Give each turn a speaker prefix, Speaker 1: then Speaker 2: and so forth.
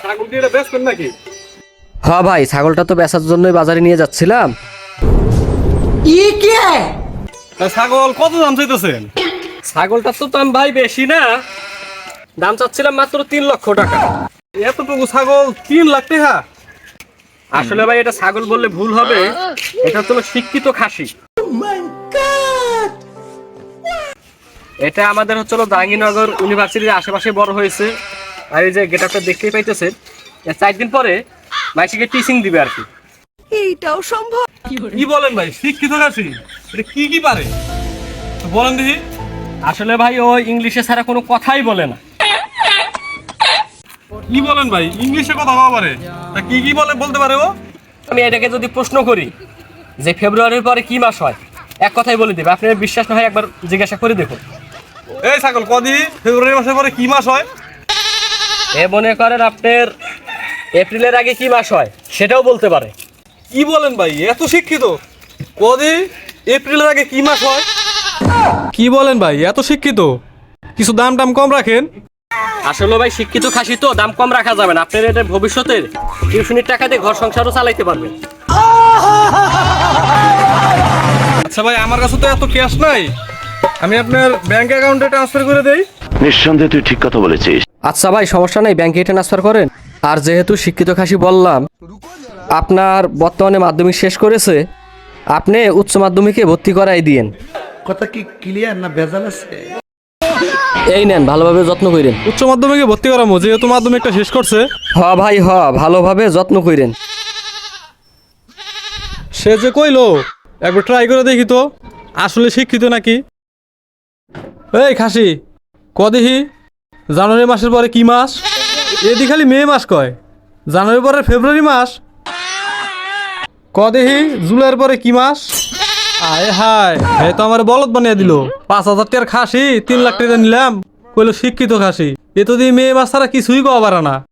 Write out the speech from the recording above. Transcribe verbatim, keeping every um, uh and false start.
Speaker 1: ছাগল কি এটা বেচবেন নাকি?
Speaker 2: হ্যাঁ ভাই, ছাগলটা তো বেচার জন্যই বাজারে নিয়ে যাচ্ছিলাম।
Speaker 1: তা ছাগল কত দাম চাইতেছেন?
Speaker 2: ছাগলটার তো দাম ভাই বেশি না, দাম চাচ্ছিলাম মাত্র তিন লক্ষ টাকা।
Speaker 1: এতটুকু ছাগল তিন লাখ টাকা?
Speaker 2: আসলে ভাই এটা ছাগল বললে ভুল হবে, এটা তো শিক্ষিত খাসি। এটা আমাদের হচ্ছে জাহাঙ্গীরনগর ইউনিভার্সিটির আশেপাশে বড় হয়েছে। আর এই যে গেটআপটা দেখতেই পাইতেছেন, এর চার দিন পরে মাইসিকে টিচিং দিবে আর কি।
Speaker 3: এইটাও সম্ভব?
Speaker 1: কি বলেন ভাই, শিক্ষিত খাসি? এটা কি কি পারে তো বলেন দেখি।
Speaker 2: আসলে ভাই ও ইংলিশে ছাড়া কোনো কথাই বলে না।
Speaker 1: কি বলেন ভাই, ইংলিশে কথা বলা পারে? তা কি কি বলে বলতে পারে ও?
Speaker 2: আমি এটাকে যদি প্রশ্ন করি যে ফেব্রুয়ারির পরে কি মাস হয়, এক কথাই বলে দেবে। আপনার বিশ্বাস না হয় একবার জিজ্ঞাসা করে দেখুন।
Speaker 1: এই ছাগল কদি ফেব্রুয়ারি মাসের পরে কি মাস হয়?
Speaker 2: এ মনে করেন আপনার এপ্রিলের আগে কি মাস হয় সেটাও বলতে পারে।
Speaker 1: কি বলেন ভাই, এত শিক্ষিত? কদি এপ্রিলের আগে কি মাস হয়? কি বলেন ভাই, এত শিক্ষিত? কিছু দাম টাম কম রাখেন।
Speaker 2: আসলে ভাই শিক্ষিত খাসি তো দাম কম রাখা যাবে না। আপনার এটা ভবিষ্যতের টিউশনির টাকা দিয়ে ঘর সংসারও চালাইতে পারবেন।
Speaker 1: আচ্ছা ভাই, আমার কাছে তো এত ক্যাশ নাই, আমি আপনার ব্যাংক অ্যাকাউন্টে ট্রান্সফার করে দেই।
Speaker 4: নিঃসন্দেহে তুই ঠিক কথা বলেছিস।
Speaker 2: আচ্ছা ভাই, সমস্যা নেই, ব্যাংকে ট্রান্সফার করেন। আর যেহেতু শিক্ষিত খাসি বললাম, আপনার বর্তমানে মাধ্যমিক শেষ করেছে, আপনি উচ্চ মাধ্যমিকে ভর্তি করাই দিয়েন।
Speaker 5: কথা কি ক্লিয়ার না ভেজাল আছে?
Speaker 2: এই নেন, ভালোভাবে যত্ন করেন।
Speaker 1: উচ্চ মাধ্যমিকে ভর্তি করামো, যেহেতু মাধ্যমিকটা শেষ করছে।
Speaker 2: হ ভাই হ, ভালোভাবে যত্ন করেন।
Speaker 1: সে যে কইলো একবার ট্রাই করে দেখি তো আসলে শিক্ষিত নাকি। এই খাসি, কদিহি জানুয়ারি মাসের পরে কি মাস? এদি খালি মে মাস কয়, জানুয়ারি পরে ফেব্রুয়ারি মাস। কদিহি জুলাইয়ের পরে কি মাস? আয় হায়, হে তো আমার বলদ বানিয়ে দিল। পাঁচ হাজার টাকার খাসি তিন লাখ টাকা নিলাম, কইলো শিক্ষিত খাসি। এ তো দিয়ে মে মাস ছাড়া কিছুই কওয়া পারে না।